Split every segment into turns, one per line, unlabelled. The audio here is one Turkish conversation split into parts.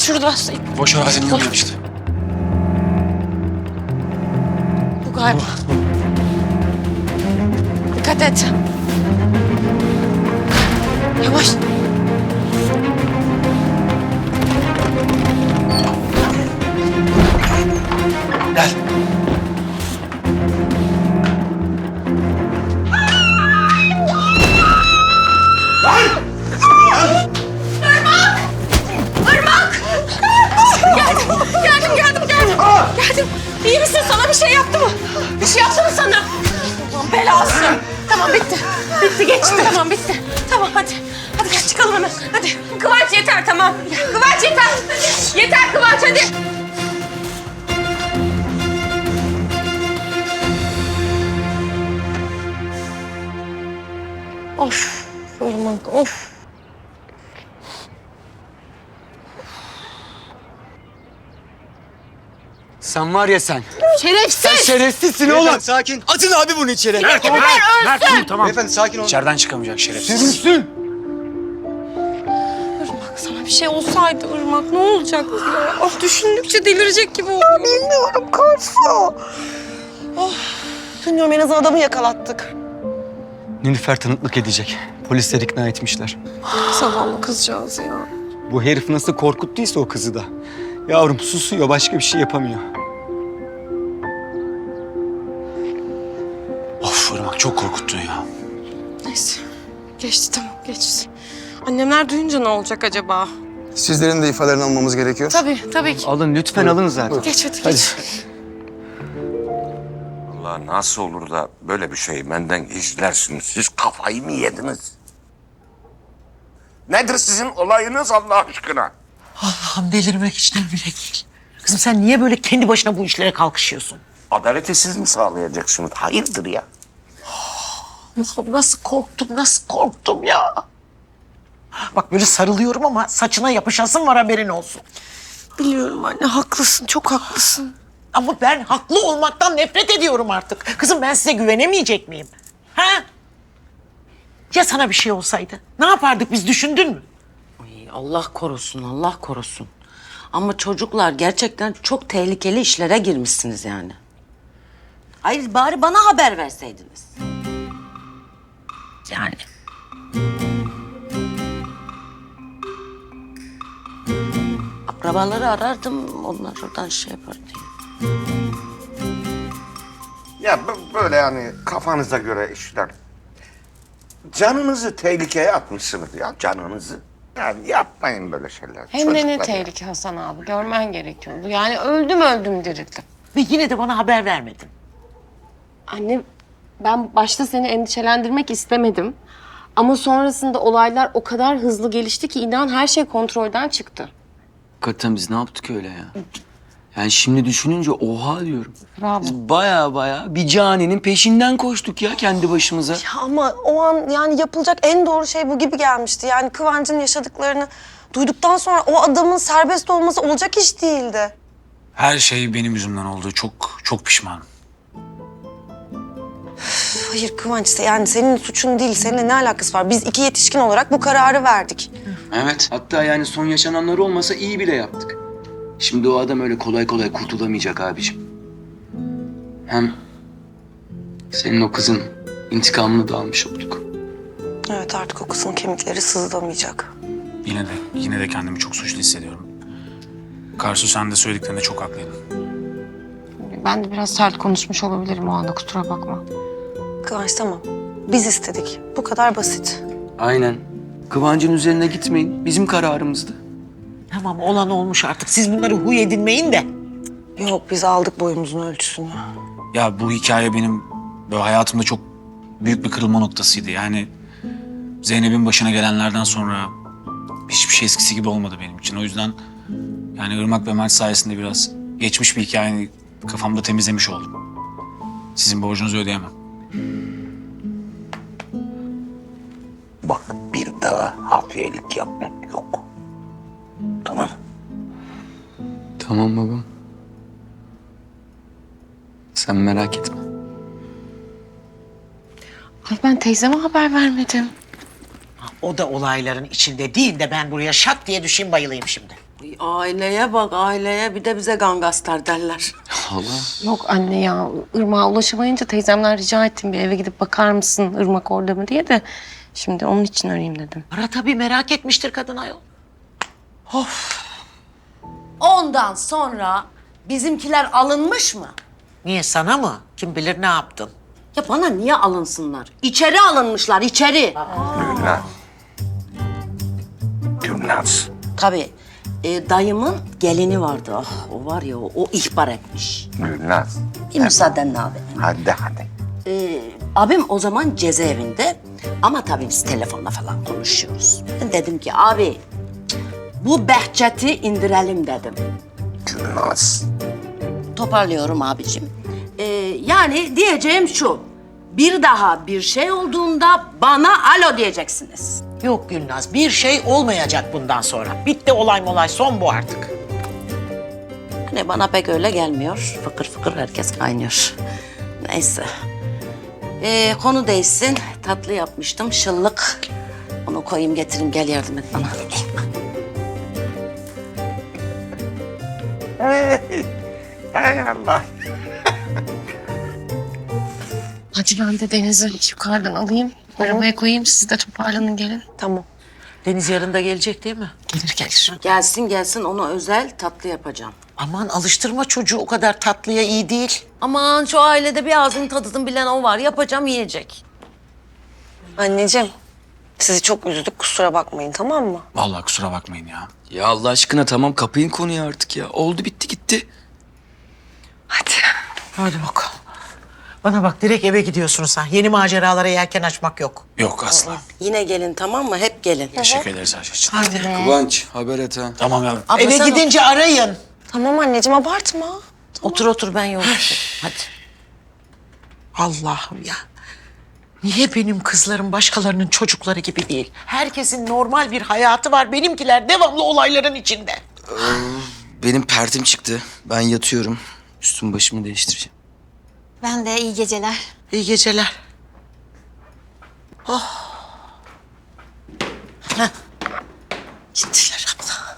şurada.
Boş arazinin yanına işte.
Bu galiba. Dikkat et. Yavaş.
Gel.
Geldim. İyi misin? Sana bir şey yaptı mı? Bir şey yaptı mı sana? Aman belası. Tamam bitti. Bitti geçti. Tamam bitti. Tamam hadi. Hadi gel çıkalım hemen. Hadi. Kıvanç yeter tamam. Kıvanç yeter. Yeter Kıvanç hadi. Of. Irmak of.
Sen var ya sen.
Şerefsiz.
Şerefsizsin oğlum. Sakin. Atın abi bunu içeri.
Mert dur tamam.
Beyefendi sakin olun.
İçeriden çıkamayacak şerefsiz.
Sürünsün.
Irmak sana bir şey olsaydı Irmak ne olacaktı ya? Ah düşündükçe delirecek gibi oluyor.
Bilmiyorum Karsu. Oh, bilmiyorum en azından adamı yakalattık.
Nilüfer tanıklık edecek. Polisler ikna etmişler.
Zavallı kızcağız ya.
Bu herif nasıl korkuttuysa o kızı da. Yavrum susuyor, başka bir şey yapamıyor.
Of Irmak çok korkuttun ya.
Neyse geçti tamam geçti. Annemler duyunca ne olacak acaba?
Sizlerin de ifadelerini almamız gerekiyor.
Tabii ki.
Alın lütfen alın zaten.
Geç hadi geç.
Allah nasıl olur da böyle bir şeyi benden gizlersiniz? Siz kafayı mı yediniz? Nedir sizin olayınız Allah aşkına?
Allah'ım delirmek için bile değil. Kızım sen niye böyle kendi başına bu işlere kalkışıyorsun?
Adaleti siz mi sağlayacaksınız? Hayırdır ya?
Allah'ım nasıl korktum ya. Bak böyle sarılıyorum ama saçına yapışasın var haberin olsun.
Biliyorum anne haklısın çok haklısın.
Ama ben haklı olmaktan nefret ediyorum artık. Kızım ben size güvenemeyecek miyim? Ha? Ya sana bir şey olsaydı? Ne yapardık biz düşündün mü?
Allah korusun, Allah korusun. Ama çocuklar gerçekten çok tehlikeli işlere girmişsiniz yani. Hayır bari bana haber verseydiniz.
Yani.
Akrabaları arardım, onlar oradan şey yapar diye.
Ya böyle yani kafanıza göre işler. Canınızı tehlikeye atmışsınız ya canınızı. Yani yapmayın böyle şeyler.
Hem de ne
çocuklar ya.
tehlike Hasan abi görmen gerekiyordu. Yani öldüm dirildim.
Ve yine de bana haber vermedin.
Anne ben başta seni endişelendirmek istemedim. Ama sonrasında olaylar o kadar hızlı gelişti ki inan her şey kontrolden çıktı.
Hakikaten biz ne yaptık öyle ya? Yani şimdi düşününce oha diyorum.
Bravo.
Biz baya bir caninin peşinden koştuk ya kendi başımıza.
Ya ama o an yani yapılacak en doğru şey bu gibi gelmişti. Yani Kıvanç'ın yaşadıklarını duyduktan sonra o adamın serbest olması olacak iş değildi.
Her şey benim yüzümden oldu. Çok pişmanım.
Hayır Kıvanç yani senin suçun değil. Seninle ne alakası var? Biz iki yetişkin olarak bu kararı verdik.
Evet. Hatta yani son yaşananlar olmasa iyi bile yaptık. Şimdi o adam öyle kolay kurtulamayacak abiciğim. Hem senin o kızın intikamını da almış olduk.
Evet artık o kızın kemikleri sızlamayacak.
Yine de kendimi çok suçlu hissediyorum. Karsu sen de söylediklerinde çok haklıydın.
Ben de biraz sert konuşmuş olabilirim o anda kusura bakma.
Kıvanç tamam. Biz istedik. Bu kadar basit.
Aynen. Kıvancın üzerine gitmeyin. Bizim kararımızdı.
Tamam olan olmuş artık. Siz bunları huy edinmeyin de.
Yok biz aldık boyumuzun ölçüsünü.
Ya bu hikaye benim böyle hayatımda çok büyük bir kırılma noktasıydı. Yani Zeynep'in başına gelenlerden sonra hiçbir şey eskisi gibi olmadı benim için. O yüzden yani Irmak ve Mert sayesinde biraz geçmiş bir hikayeyi kafamda temizlemiş oldum. Sizin borcunuzu ödeyemem.
Bak bir daha hafiyelik yapmak yok. Tamam.
Tamam babam. Sen merak etme.
Ay ben teyzeme haber vermedim.
O da olayların içinde değil de ben buraya şak diye düşeyim bayılayım şimdi.
Aileye bak aileye, bir de bize gangastar derler.
Yok anne ya, Irmak'a ulaşamayınca teyzemden rica ettim bir eve gidip bakar mısın Irmak orada mı diye de şimdi onun için arayayım dedim.
Ara tabii, merak etmiştir kadın ayol.
Ondan sonra bizimkiler alınmış mı?
Niye, sana mı? Kim bilir ne yaptın?
Ya bana niye alınsınlar? İçeri alınmışlar, içeri.
Gülnaz. Gülnaz.
Tabii. Dayımın gelini vardı. Ah, o var ya, o ihbar etmiş.
Gülnaz.
Bir müsaadenle abi.
Hadi.
Abim o zaman cezaevinde ama tabii biz telefonla falan konuşuyoruz. Ben dedim ki abi bu Behçet'i indirelim dedim.
Gülnaz.
Toparlıyorum abicim. Yani diyeceğim şu. Bir daha bir şey olduğunda bana alo diyeceksiniz.
Yok Gülnaz, bir şey olmayacak bundan sonra. Bitti olay son bu artık.
Hani bana pek öyle gelmiyor. Fıkır fıkır herkes kaynıyor. Neyse. Konu değişsin. Tatlı yapmıştım. Şıllık. Onu koyayım getireyim. Gel yardım et bana.
Hay Allah.
Hadi ben de Deniz'i yukarıdan alayım. Arabaya koyayım, siz de toparlanın gelin.
Tamam.
Deniz yarın da gelecek değil mi?
Gelir.
Gelsin ona özel tatlı yapacağım.
Aman alıştırma çocuğu, o kadar tatlıya iyi değil.
Aman şu ailede bir ağzının tadını bilen o var. Yapacağım yiyecek.
Anneciğim, sizi çok üzdük, kusura bakmayın, tamam mı?
Vallahi kusura bakmayın ya.
Ya Allah aşkına tamam, kapayın konuyu artık ya. Oldu bitti gitti.
Hadi.
Hadi bakalım. Bana bak, direkt eve gidiyorsun sen. Yeni maceralara yelken açmak yok.
Yok asla.
Yine gelin tamam mı? Hep gelin.
Teşekkür ederiz her şey için.
Kıvanç haber et ha.
Tamam yavrum.
Abla
Eve
sen
gidince arayın.
Tamam anneciğim, abartma.
otur ben yoğurt. Hadi.
Allah'ım ya. Niye benim kızlarım başkalarının çocukları gibi değil? Herkesin normal bir hayatı var. Benimkiler devamlı olayların içinde.
Benim pertim çıktı. Ben yatıyorum. Üstümü başımı değiştireceğim.
Ben de iyi geceler.
İyi geceler.
Gittiler abla.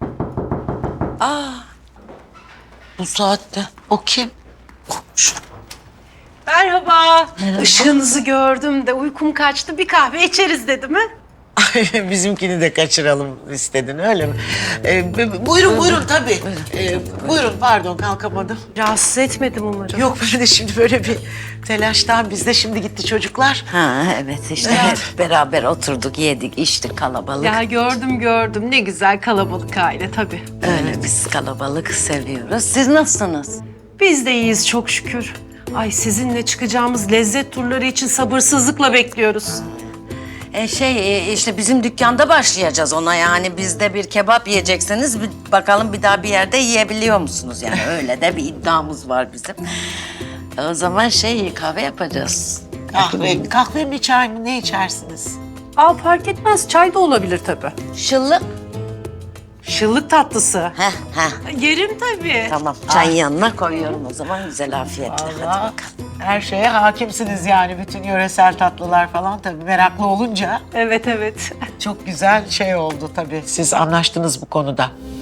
Bu saatte.
O kim?
Komşu.
Merhaba. Işığınızı gördüm de uykum kaçtı. Bir kahve içeriz dedim ha?
Bizimkini de kaçıralım istedin, öyle mi? Buyurun tabii. Buyurun, pardon kalkamadım.
Rahatsız etmedim umarım.
Yok, ben de şimdi böyle bir telaştan, biz de şimdi gitti çocuklar.
Ha evet işte hep beraber oturduk, yedik, içtik kalabalık.
Ya gördüm. Ne güzel kalabalık aile tabii.
Öyle biz kalabalık seviyoruz. Siz nasılsınız?
Biz de iyiyiz çok şükür. Ay sizinle çıkacağımız lezzet turları için sabırsızlıkla bekliyoruz.
İşte bizim dükkanda başlayacağız ona, yani bizde bir kebap yiyecekseniz bakalım bir daha bir yerde yiyebiliyor musunuz? Yani öyle de bir iddiamız var bizim. O zaman kahve yapacağız.
Kahve mi çay mı, ne içersiniz?
Aa fark etmez, çay da olabilir tabii.
Şıllık.
Şıllık tatlısı.
Heh.
Yerim tabii.
Tamam, çayın yanına koyuyorum o zaman, güzel afiyetle. Hadi
Allah,
bakalım.
her şeye hakimsiniz yani, bütün yöresel tatlılar falan tabii, meraklı olunca
Evet.
çok güzel oldu tabii. Siz anlaştınız bu konuda.